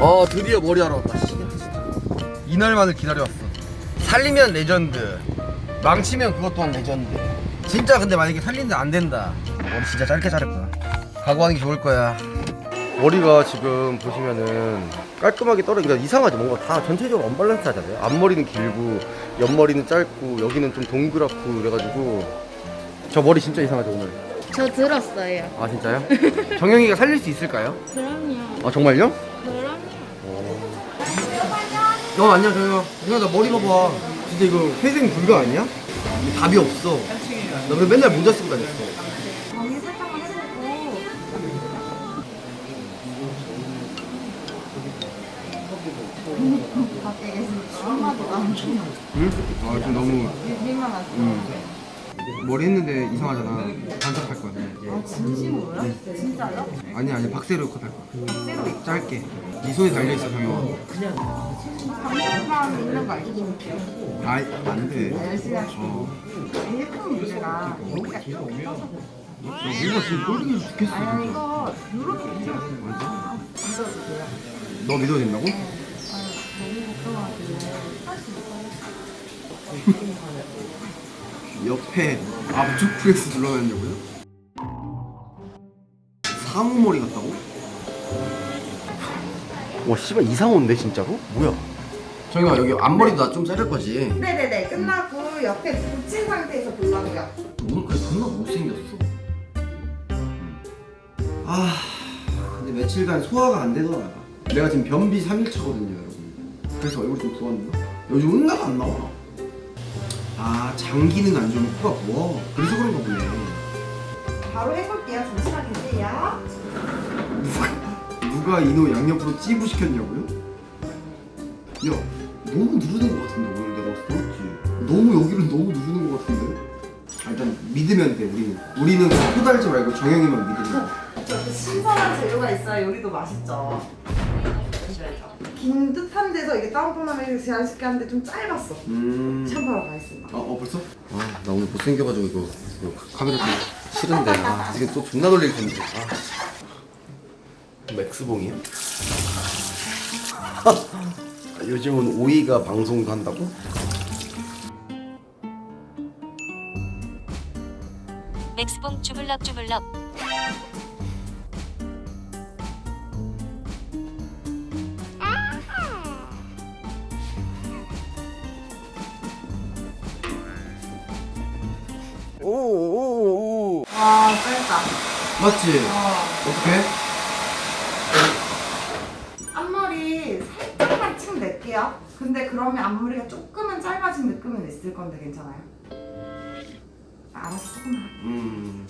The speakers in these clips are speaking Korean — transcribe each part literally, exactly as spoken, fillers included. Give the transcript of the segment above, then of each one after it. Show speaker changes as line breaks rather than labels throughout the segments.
어 드디어 머리하러 왔다. 이날만을 기다려왔어. 살리면 레전드, 망치면 그것 또한 레전드. 진짜 근데 만약에 살리는데 안 된다, 머리 진짜 짧게 자를 거야. 각오하는 게 좋을 거야. 머리가 지금 보시면은 깔끔하게 떨어져. 그러니까 이상하지, 뭔가 다 전체적으로 언밸런스 하잖아요. 앞머리는 길고 옆머리는 짧고 여기는 좀 동그랗고 그래가지고 저 머리 진짜 이상하죠 오늘.
저 들었어요.
아 진짜요? 정영이가 살릴 수 있을까요?
그럼요.
아 정말요?
그럼요.
어 안녕 정영아. 정영아 나 머리 봐봐. 진짜 이거 회생 불가 아니야? 이거 답이 없어. 나 그래 맨날 모자 쓰고 다녔어.
정리 살짝만 해보고 밖에 계시니까 한마디도 안 해요.
응? 아 지금 너무
비밀만 하시고.
응. 머리 했는데 이상하잖아. 반짝할 거야.
아 진심으로요? 진짜요?
아니 아니 박세로 컷할 거야. 짧게. 네 손에 달려 있어 정영아.
감정감 있는 거 알죠?
아이 안돼.
열심히 하시고.
어.
제일 큰 문제가 여기가 좀 껴서.
야, 뭔가 지금 꼴보기 죽겠어.
아니
진짜.
이거 이렇게 문제가
맞아?
믿어주세요.
너 믿어도 된다고?
네. 아유 너무 걱정하길래 할 수 있어요.
옆에 압축 프레스 눌러놨냐고요? 상어머리 같다고? 와 씨발 이상호인데 진짜로? 뭐야? 정영아 여기 앞머리도 나 좀 자를 거지?
네네네 끝나고 옆에 붙인 상태에서 볼라고요.
오늘까지 존나 못생겼어. 아 근데 며칠간 소화가 안 되더라. 내가 지금 변비 삼 일차거든요 여러분. 그래서 얼굴이 좀 부었나? 요즘 응가가 안 나와. 아 장 기능 안 좋으면 코가 부어. 그래서 그런가 보네.
바로 해볼게요. 잠시만 계세요.
누가 이노 양옆으로 찌부 시켰냐고요? 야 너무 누르는 것 같은데 오늘 내가 봤을 때 맞지? 너무 여기를 너무 누르는 것 같은데? 아, 일단 믿으면 돼 우리는. 우리는 코 달지 말고 정영이만 믿으면 돼.
저렇게 신선한 재료가 있어야 요리도 맛있죠. 긴 듯한 데서 이게 다운펌하면 자연스럽게 하는데 좀 짧았어.
음...
샴푸하러 가겠습니다.
아, 어 벌써? 아, 나 오늘 못생겨가지고 이거, 이거 카메라 좀 싫은데. 아, 이게 또 존나 놀릴 텐데. 아. 맥스봉이야? 요즘은 오이가 방송도 한다고?
맥스봉 주물럭 주물럭.
오오오오.
와 짧다.
맞지?
어.
어떻게?
앞머리 살짝만 침 낼게요. 근데 그러면 앞머리가 조금은 짧아진 느낌은 있을 건데 괜찮아요? 알아서 조금만 할게요.
음.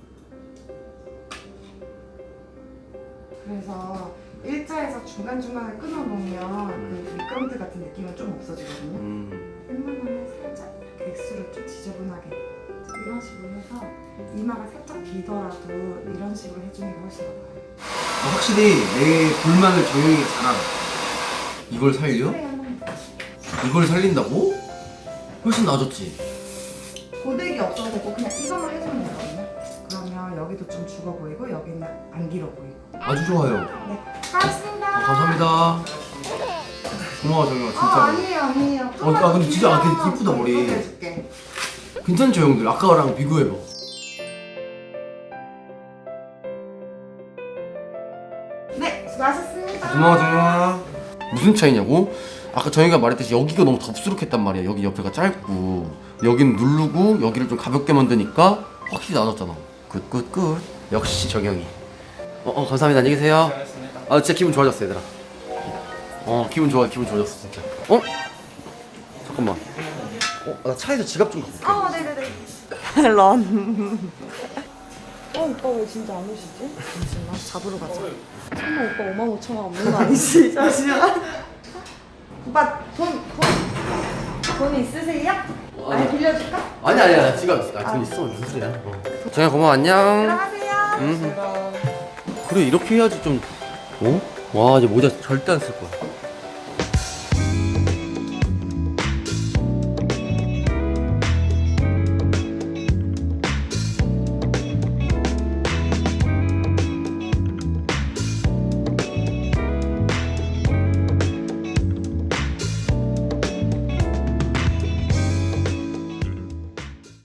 그래서 일자에서 중간중간에 끊어놓으면 그 미끄럼틀 같은 느낌은 좀 없어지거든요.
음.
웬만하면 살짝 이렇게 액수를 좀 지저분하게 이런 식으로 해서 이마가 살짝 비더라도 이런 식으로 해주는 게 훨씬 더 나아요.
아, 확실히 내 불만을 정영이가 잘 알아. 이걸 살려?
스프레이 한번
이걸 살린다고? 훨씬 나아졌지?
고데기 없어도 되고 그냥 이것만 해주면 되거든요. 그러면 여기도 좀 죽어 보이고 여기는 안 길어 보이고.
아주 좋아요.
네, 고맙습니다.
아, 감사합니다. 고마워 정영아 진짜.
아, 아니에요 아니에요.
어, 아, 근데 진짜 아, 근데 이쁘다, 머리.
해줄게.
괜찮죠 형들? 아까랑 비교해봐.
네, 수고하셨습니다.
고마워 정영아. 무슨 차이냐고? 아까 정영이가 말했듯이 여기가 너무 덥수룩했단 말이야. 여기 옆에가 짧고 여기는 누르고 여기를 좀 가볍게 만드니까 확실히 나아졌잖아. 굿굿굿. 역시 정영이. 어, 어 감사합니다. 안녕히 계세요. 아 진짜 기분 좋아졌어 얘들아. 어 기분 좋아 기분 좋아졌어 진짜. 어? 잠깐만. 어? 나 차에서 지갑 좀 갖고 올게.
어, 네네네. 런. 어, 오빠 왜 진짜 안 오시지? 잠시만, 잡으러 가자. 설마 오빠 오만 오천 원 없는 거 아니지? 잠시만. 오빠 돈, 돈, 돈 있으세요?
어,
아니,
아니.
빌려줄까?
아니 아니야 나 지갑 있어. 아, 돈 있어 무슨 소리야. 어. 정영아 고마워 안녕.
들어가세요.
음. 그래 이렇게 해야지 좀. 어? 와 이제 모자 절대 안 쓸 거야.